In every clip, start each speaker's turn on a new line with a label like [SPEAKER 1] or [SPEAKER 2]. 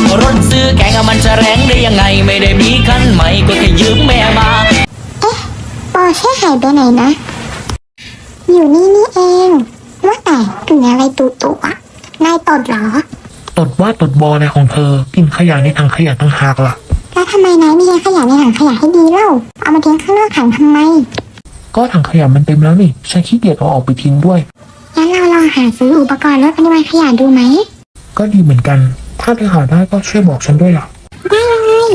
[SPEAKER 1] รถซื้อแกงมันจะแรงได้ยังไงไม่ได้มีคันใหม่ก็แค่ยืมแม่มา
[SPEAKER 2] เอ๊ะปอเช่หายไปไหนนะอยู่นี่เองว่าแต่กลิ่นอะไรตุอะนายตดเหรอ
[SPEAKER 3] ตดว่าตดบออะไรของเธอกินขยะในถังขยะตั้งหากล่ะ
[SPEAKER 2] แล้วทำไมนายไม่ทิ้งขยะในถังขยะให้ดีเล่าเอามาทิ้งข้างนอกถังทำไม
[SPEAKER 3] ก็ถังขยะมันเต็มแล้วนี่ฉันขี้เกียจเอาออกไปทิ้งด้วย
[SPEAKER 2] งั้นเราลองหาซื้ออุปกรณ์ลดปริมาณขยะดูไหม
[SPEAKER 3] ก็ดีเหมือนกันถ้าเธอหาได้ก็ช่วยบอกฉันด้วยล่ะ
[SPEAKER 2] ได้เลย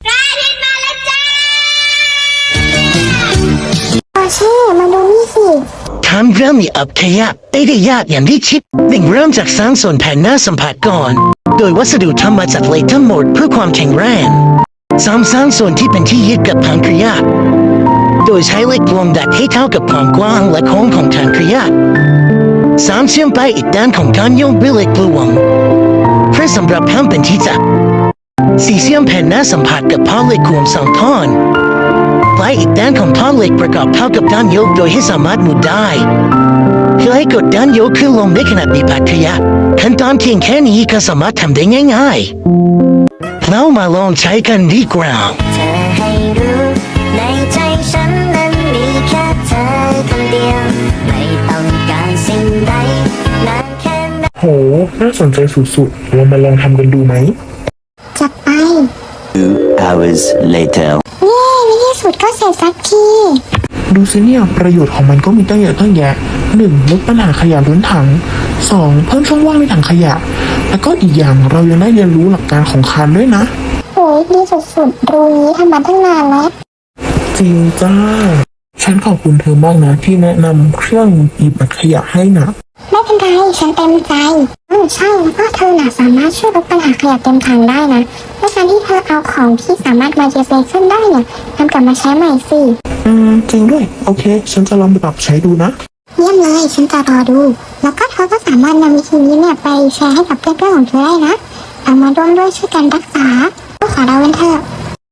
[SPEAKER 2] ปอเช่มาดูนี่สิ
[SPEAKER 4] ทำเรื่องมีอับขยะไม่ได้ยากอย่างที่คิดหนึ่งเริ่มจากสร้างส่วนแผ่นหน้าสัมผัสก่อนโดยวัสดุทำมาจากเหล็กทั้งหมดเพื่อความแข็งแรงสร้างส่วนที่เป็นที่ยึดกับถังขยะโดยใช้เหล็กลงดัดให้เท่ากับความกว้างและโค้งของถังขยะเชื่อมไปอีกด้านของการโยงด้วยเหล็กกลวงเพื่อสำหรับทำเป็นที่จับเชื่อมแผ่นหน้าสัมผัสกับท่อเหล็กรวม2ท่อนปลายอีกด้านของท่อเหล็กประกอบเข้ากับด้านโยกโดยให้สามารถหมุนได้เพื่อให้กดด้านโยกขึ้นลงได้ขนาดมีปัดขยะขั้นตอนเพียงแค่นี้ก็สามารถทำได้ง่ายๆเรามาลองใช้กันดีกว่า
[SPEAKER 5] เธอให้รู้ในใจฉันนั้นมีแค่เธอคนเดียวไม่ต้องการสิ่งใดนานแค่ไหน
[SPEAKER 3] โหน่าสนใจสุดๆเรามาลองทำกันดูไหม
[SPEAKER 2] จัดไป
[SPEAKER 6] 2 hours later
[SPEAKER 2] ในที่สุดก็เสร็จสักที
[SPEAKER 3] ดูสิเนี่ยประโยชน์ของมันก็มีตั้งเยอะตั้งแยะ 1. ลดปัญหาขยะล้นถัง 2. เพิ่มช่องว่างในถังขยะแล้วก็อีกอย่างเรายังได้เรียนรู้หลักการของคานด้วยนะ
[SPEAKER 2] โหยดีสุดๆรู้นี้ทำมาตั้งนานแล้ว
[SPEAKER 3] จริงจ้าฉันขอบคุณเธอมากนะที่แนะนำเครื่องหยิบขยะให้นะ
[SPEAKER 2] ไม่เป็นไรฉันเต็มใจใช่แล้วก็เธอน่ะสามารถช่วยลดปัญหาขยะเต็มถังได้นะด้วยการที่เธอเอาของที่สามารถมารีไซเคิลได้เนี่ยนำกลับมาใช้ใหม่สิ
[SPEAKER 3] จริงด้วยโอเคฉันจะลองไปปรับใช้ดูนะ
[SPEAKER 2] เยี่ยมเลยฉันจะรอดูแล้วก็เธอก็สามารถนำวิธีนี้เนี่ยไปแชร์ให้กับเพื่อนๆของเธอได้นะเอามาร่วมด้วยช่วยกันรักษาขอเราเป็นเธอ